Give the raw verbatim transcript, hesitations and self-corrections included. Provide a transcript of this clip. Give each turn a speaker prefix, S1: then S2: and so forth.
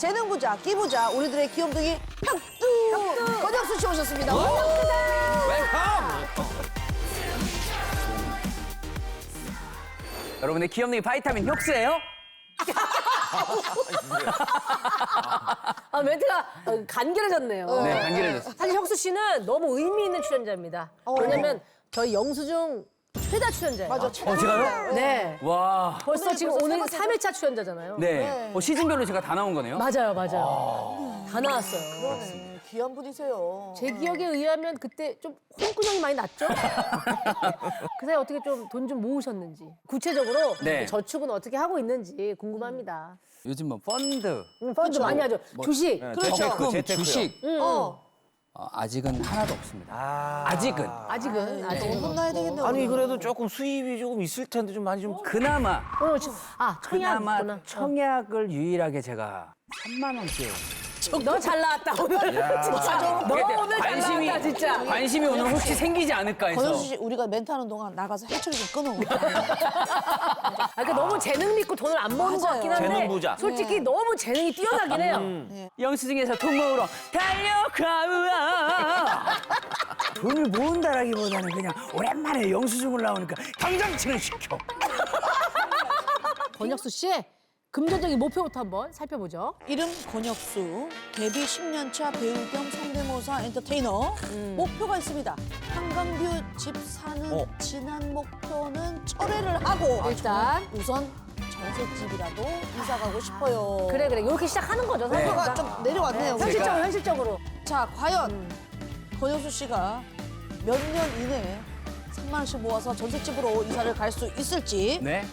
S1: 재능 부자, 끼 부자, 우리들의 귀염둥이 혁두 권혁수 씨 오셨습니다.
S2: 여러분의 귀염둥이 바이타민 혁수예요?
S3: 아, 멘트가 어, 간결해졌네요.
S2: 네, 간결해졌어요.
S3: 사실 혁수 씨는 너무 의미 있는 출연자입니다. 왜냐면 저희 영수증 최다 출연자예요.
S1: 맞아.
S2: 어, 제가요?
S3: 네.
S2: 와.
S3: 벌써
S1: 오늘
S3: 지금
S1: 벌써
S3: 오늘
S1: 세 번째죠?
S3: 삼 회차 출연자잖아요.
S2: 네. 어, 시즌별로 제가 다 나온 거네요?
S3: 맞아요, 맞아요. 다 나왔어요.
S1: 그러네. 귀한 분이세요.
S3: 제 기억에 의하면 그때 좀 홍군형이 많이 났죠? 그 사이 어떻게 좀 돈 좀 모으셨는지 구체적으로
S2: 네.
S3: 저축은 어떻게 하고 있는지 궁금합니다.
S2: 요즘 뭐 펀드,
S3: 음, 펀드 많이 하죠. 주식.
S1: 그렇죠.
S2: 적금,
S4: 재테크요.
S2: 주식
S1: 어.
S2: 어, 아직은 하나도 없습니다.
S4: 아.
S2: 아직은.
S3: 아직은 아직은.
S1: 돈 혼나야 되겠네.
S4: 아니
S1: 오늘.
S4: 그래도 조금 수입이 조금 있을 텐데 좀 많이 좀
S2: 그나마
S3: 오늘 지- 아 청약
S2: 그나마
S3: 있구나.
S2: 청약을 유일하게 제가 삼만 원째.
S3: 너 잘 나왔다 오늘. 진짜 너 오늘 잘
S2: 관심이
S3: 나왔다 진짜.
S2: 관심이 오늘 혹시 생기지 않을까 해서.
S1: 권혁수 씨 우리가 멘트하는 동안 나가서 해초리 좀 끊어.
S3: 아, 그러니까 너무 재능 믿고 돈을 안 버는 것
S1: 맞아요.
S3: 같긴 한데
S4: 재능 부자.
S3: 솔직히 너무 재능이 뛰어나긴 해요.
S2: 영수증에서 돈 모으러 달려가. 돈을 모은다라기보다는 그냥 오랜만에 영수증을 나오니까 당장 진행시켜.
S3: 권혁수 씨의 금전적인 목표부터 한번 살펴보죠.
S1: 이름 권혁수, 데뷔 십 년 차 배우 겸 성대모사 엔터테이너. 목표가 있습니다. 한강뷰 집 사는
S4: 어.
S1: 지난 목표는 철회를 하고
S3: 일단
S1: 우선 전셋집이라도 이사 가고 싶어요.
S3: 그래 그래 이렇게 시작하는 거죠. 사실.
S1: 목표가 좀 내려왔네요.
S3: 현실적으로 현실적으로.
S1: 자, 과연 권혁수 씨가 몇 년 이내에 삼만 원씩 모아서 전셋집으로 이사를 갈 수 있을지
S2: 네.